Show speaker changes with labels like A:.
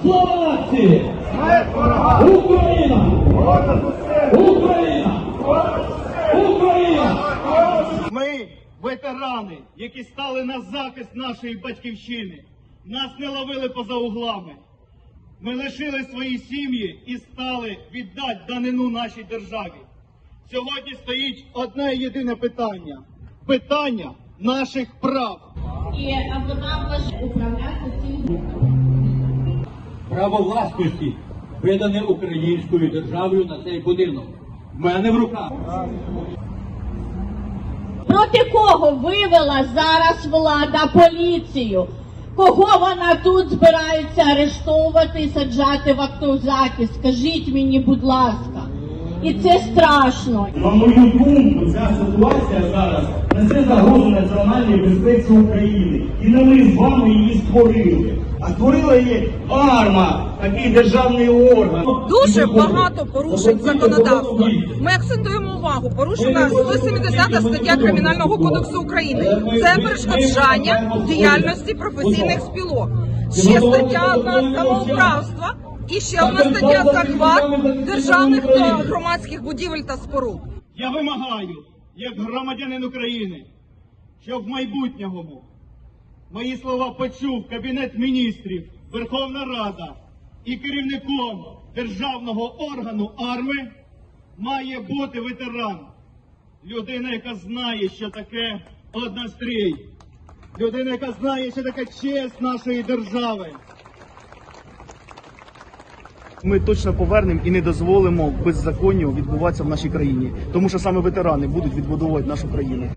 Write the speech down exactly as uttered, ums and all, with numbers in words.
A: Слава нації! Україна! Україна! Україна!
B: Ми ветерани, які стали на захист нашої батьківщини. Нас не ловили поза углами. Ми лишили свої сім'ї і стали віддати данину нашій державі. Сьогодні стоїть одне єдине питання. Питання наших прав.
C: І вона може управляти цим.
A: Право власності видане українською державою на цей будинок. В мене в руках.
C: Проти кого вивела зараз влада поліцію? Кого вона тут збирається арештовувати і саджати в автозаки? Скажіть мені, будь ласка. І це страшно.
D: На мою думку, ця ситуація зараз несе загрозу національній безпеці України. І не ми з вами її створили. А створила її АРМА, такий державний орган.
E: Дуже багато порушень законодавства. Ми акцентуємо увагу. Порушена сто сімдесята стаття Кримінального кодексу України. Це перешкоджання діяльності професійних спілок. Ще стаття одна самоуправства і ще одна стаття захват державних та громадських будівель та споруд.
B: Я вимагаю, як громадянин України, щоб в майбутньому мої слова почув Кабінет міністрів, Верховна Рада і керівником державного органу АРМИ має бути ветеран. Людина, яка знає, що таке однострій. Людина, яка знає, що таке честь нашої держави. Ми точно повернемо і не дозволимо беззаконню відбуватися в нашій країні. Тому що саме ветерани будуть відбудовувати нашу країну.